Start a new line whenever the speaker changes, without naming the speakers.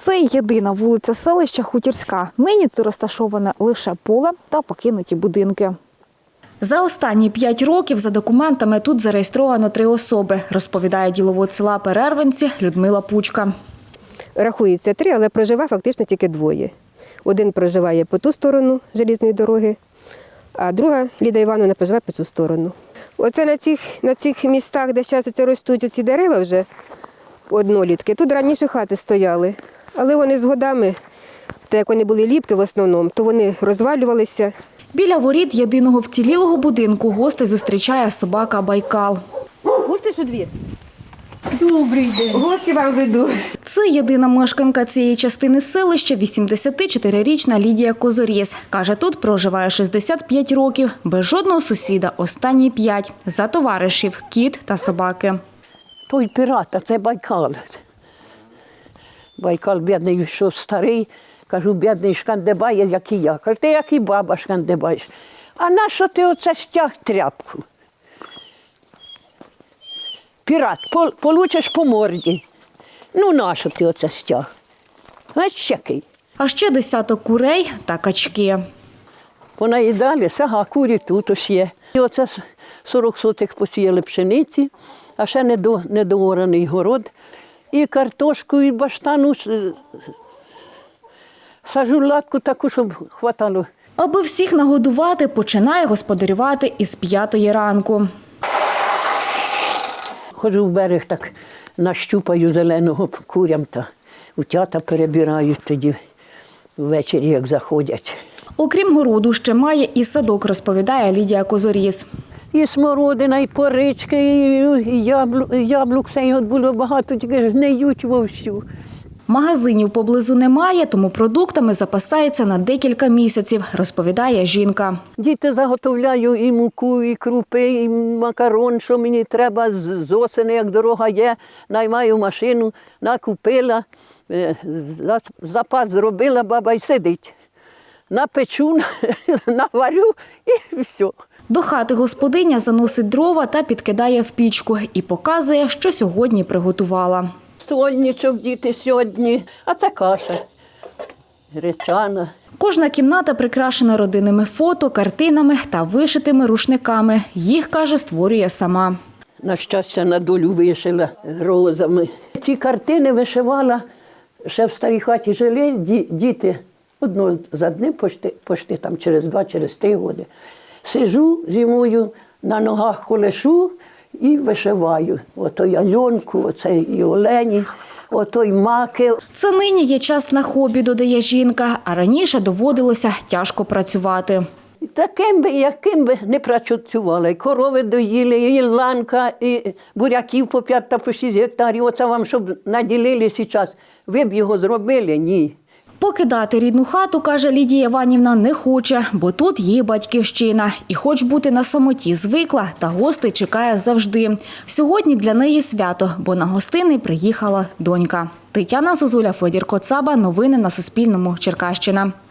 Це єдина вулиця селища Хутірська. Нині тут розташоване лише поле та покинуті будинки. За останні 5 років за документами тут зареєстровано 3 особи, розповідає діловод села Перервинці Людмила Пучка.
Рахується 3, але проживає фактично тільки 2. Один проживає по ту сторону залізної дороги, а друга, Ліда Івановна, проживає по цю сторону. Оце на цих містах, де зараз ростуть ці дерева вже, однолітки, тут раніше хати стояли. Але вони з годами, так як вони були ліпки в основному, то вони розвалювалися.
Біля воріт єдиного вцілілого будинку гостей зустрічає собака Байкал.
Гості що 2? Добрий день. Гості вам веду.
Це єдина мешканка цієї частини селища, 84-річна Лідія Козоріс. Каже, тут проживає 65 років, без жодного сусіда, останні 5, за товаришів, кіт та собаки.
Той пірат, а це Байкал. Байкал бідний, що старий. Кажу, бідний шкандибає, як і я. Кажу, ти як і баба шкандибаєш. А нащо ти оце стяг тряпку? Пірат, получиш по морді. Ну, нащо ти оце стяг? Ось який.
А ще десяток курей та качки.
Понаїдалися, ага, курі тут ось є. І оце 40 сотих посіяли пшениці, а ще недоораний город. І картошку, і баштану, сажу латку таку, щоб хватало.
Аби всіх нагодувати, починає господарювати із 5 ранку.
Ходжу в берег, так нащупаю зеленого курям та утята перебирають тоді ввечері, як заходять.
Окрім городу, ще має і садок, розповідає Лідія Козоріс.
І смородина, і порички, і яблук, все його було багато, тільки гниють вовсю.
Магазинів поблизу немає, тому продуктами запасається на декілька місяців, розповідає жінка.
Діти заготовляю і муку, і крупи, і макарон, що мені треба з осени, як дорога є. Наймаю машину, накупила, запас зробила, баба й сидить. Напечу, наварю і все.
До хати господиня заносить дрова та підкидає в пічку і показує, що сьогодні приготувала.
Сольничок діти сьогодні, а це каша гречана.
Кожна кімната прикрашена родинними фото, картинами та вишитими рушниками. Їх, каже, створює сама.
На щастя, на долю вишила розами. Ці картини вишивала, ще в старій хаті жили діти. Одно за одним, пошти там через 2, через 3 роки. Сижу зимою, на ногах колешу і вишиваю. Ото й Альонку, оце і Олені, ото й маки.
Це нині є час на хобі, додає жінка, а раніше доводилося тяжко працювати.
Таким би, яким би не працювали. Корови доїли, і ланка, і буряків по 5 та по 6 гектарів. Оце вам, щоб наділили зараз. Ви б його зробили? Ні.
Покидати рідну хату, каже Лідія Іванівна, не хоче, бо тут її батьківщина. І хоч бути на самоті звикла, та гостей чекає завжди. Сьогодні для неї свято, бо на гостини приїхала донька. Тетяна Зозуля, Федір Коцаба. Новини на Суспільному. Черкащина.